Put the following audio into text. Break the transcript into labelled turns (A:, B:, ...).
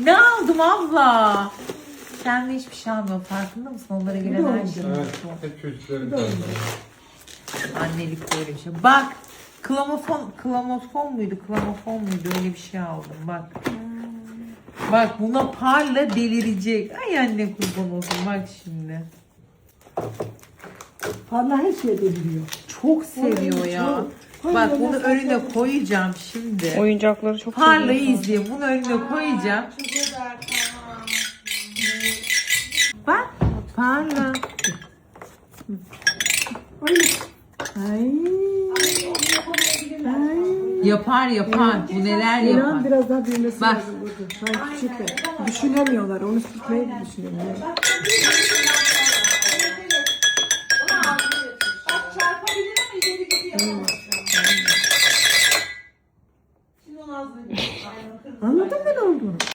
A: Ne aldım abla? Kendi hiçbir şey almıyor. Farkında mısın? Onlara gelen her şey.
B: Evet, hep çocukların tarzı.
A: Annelik böyle bir şey. Bak. Klamofon muydu? Klamofon muydu? Öyle bir şey aldım. Bak. Bak buna parla delirecek. Ay anne kurban olsun. Bak şimdi.
C: Parla her şeye deliriyor.
A: Çok seviyor ya. Bak bunu önüne koyacağım şimdi.
D: Oyuncakları çok
A: Parlayı
D: seviyor.
A: izleyin. Bunu önüne koyacağım. Bak. Parla.
C: Ay.
A: Yapar yapar. Bu neler
C: İnan
A: yapar.
C: biraz daha büyümesi
A: Bak.
C: lazım burada. Şu an küçükler. Düşünemiyorlar. Onu tutmayı düşünemiyorlar.